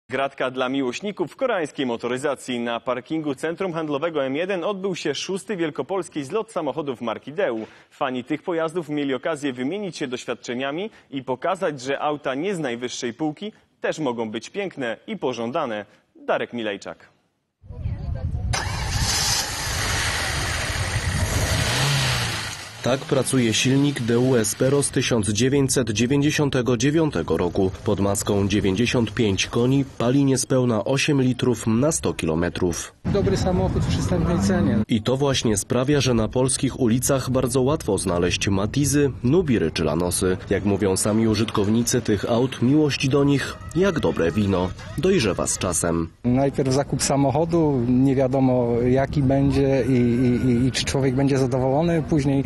Gratka dla miłośników koreańskiej motoryzacji. Na parkingu Centrum Handlowego M1 odbył się 6. wielkopolski zlot samochodów marki Deu. Fani tych pojazdów mieli okazję wymienić się doświadczeniami i pokazać, że auta nie z najwyższej półki też mogą być piękne i pożądane. Darek Milejczak. Tak pracuje silnik Deu Espero z 1999 roku. Pod maską 95 koni pali niespełna 8 litrów na 100 kilometrów. Dobry samochód w przystępnej cenie. I to właśnie sprawia, że na polskich ulicach bardzo łatwo znaleźć Matizy, Nubiry czy Lanosy. Jak mówią sami użytkownicy tych aut, miłość do nich jak dobre wino. Dojrzewa z czasem. Najpierw zakup samochodu, nie wiadomo jaki będzie i czy człowiek będzie zadowolony. Później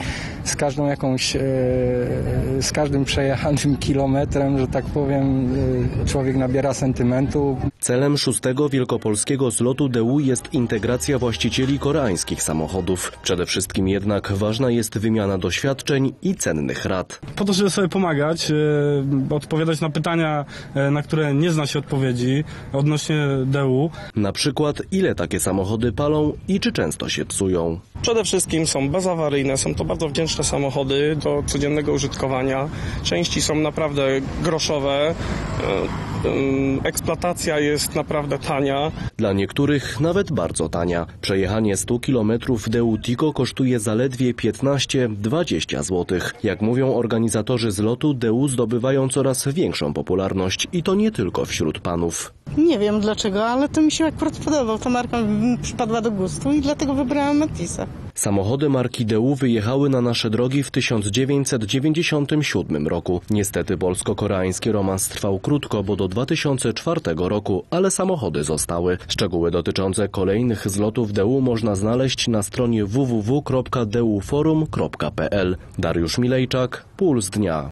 z każdym przejechanym kilometrem, że tak powiem, człowiek nabiera sentymentu. Celem 6. wielkopolskiego zlotu Deu jest integracja właścicieli koreańskich samochodów. Przede wszystkim jednak ważna jest wymiana doświadczeń i cennych rad. Po to, żeby sobie pomagać, odpowiadać na pytania, na które nie zna się odpowiedzi odnośnie Deu. Na przykład, ile takie samochody palą i czy często się psują. Przede wszystkim są bezawaryjne, są to bardzo wdzięczne samochody do codziennego użytkowania. Części są naprawdę groszowe, eksploatacja jest naprawdę tania. Dla niektórych nawet bardzo tania. Przejechanie 100 km Deu Tico kosztuje zaledwie 15-20 zł. Jak mówią organizatorzy zlotu, Deu zdobywają coraz większą popularność i to nie tylko wśród panów. Nie wiem dlaczego, ale to mi się akurat podobał. Ta marka mi przypadła do gustu i dlatego wybrałam Matisa. Samochody marki Deu wyjechały na nasze drogi w 1997 roku. Niestety polsko-koreański romans trwał krótko, bo do 2004 roku, ale samochody zostały. Szczegóły dotyczące kolejnych zlotów Deu można znaleźć na stronie www.deuforum.pl. Dariusz Milejczak, Puls Dnia.